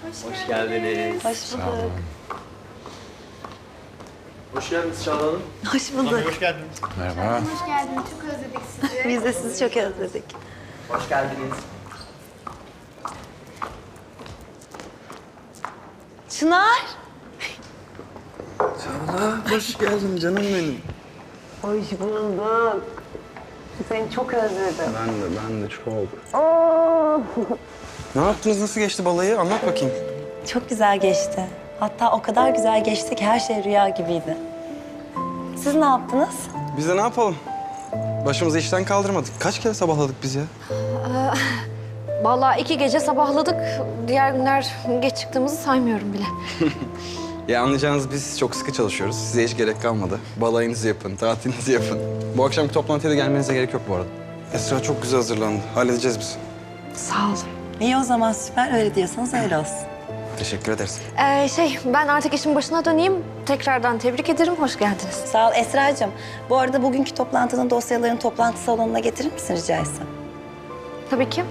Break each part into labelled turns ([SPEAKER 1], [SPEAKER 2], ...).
[SPEAKER 1] Hoş geldiniz.
[SPEAKER 2] Hoş bulduk.
[SPEAKER 1] Hoş geldiniz Çağla Hanım.
[SPEAKER 2] Hoş bulduk.
[SPEAKER 3] Hoş geldiniz.
[SPEAKER 4] Merhaba.
[SPEAKER 5] Hoş geldiniz. Çok özledik sizi.
[SPEAKER 2] Biz de sizi çok özledik.
[SPEAKER 1] Hoş geldiniz.
[SPEAKER 2] Çınar.
[SPEAKER 4] Çağla, hoş geldin canım benim.
[SPEAKER 2] Hoş bulduk. Seni çok özledim.
[SPEAKER 4] Ben de çok. Ne yaptınız, nasıl geçti balayı? Anlat bakayım.
[SPEAKER 2] Çok güzel geçti. Hatta o kadar güzel geçti ki her şey rüya gibiydi. Siz ne yaptınız?
[SPEAKER 4] Biz de ne yapalım? Başımızı işten kaldırmadık. Kaç kere sabahladık biz ya?
[SPEAKER 5] Vallahi 2 gece sabahladık. Diğer günler geç çıktığımızı saymıyorum bile.
[SPEAKER 4] Ya anlayacağınız biz çok sıkı çalışıyoruz. Size hiç gerek kalmadı. Balayınızı yapın, tatilinizi yapın. Bu akşamki toplantıya da gelmenize gerek yok bu arada. Esra çok güzel hazırlandı. Halledeceğiz biz.
[SPEAKER 5] Sağ olun.
[SPEAKER 2] İyi o zaman süper. Öyle diyorsanız öyle olsun.
[SPEAKER 4] Teşekkür ederiz.
[SPEAKER 5] Ben artık işin başına döneyim. Tekrardan tebrik ederim. Hoş geldiniz.
[SPEAKER 2] Sağ ol Esra'cığım. Bu arada bugünkü toplantının dosyalarını toplantı salonuna getirir misin rica etsem?
[SPEAKER 5] Tabii ki.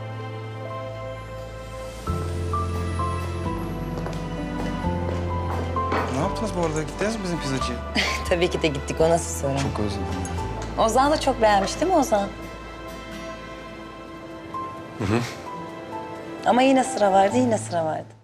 [SPEAKER 4] Ne yaptınız bu arada? Gittiniz mi bizim pizzacıya?
[SPEAKER 2] Tabii ki de gittik. O nasıl soru?
[SPEAKER 4] Çok özledim.
[SPEAKER 2] Ozan da çok beğenmiş değil mi Ozan? Hı hı. Ama yine sıra vardı, yine sıra vardı.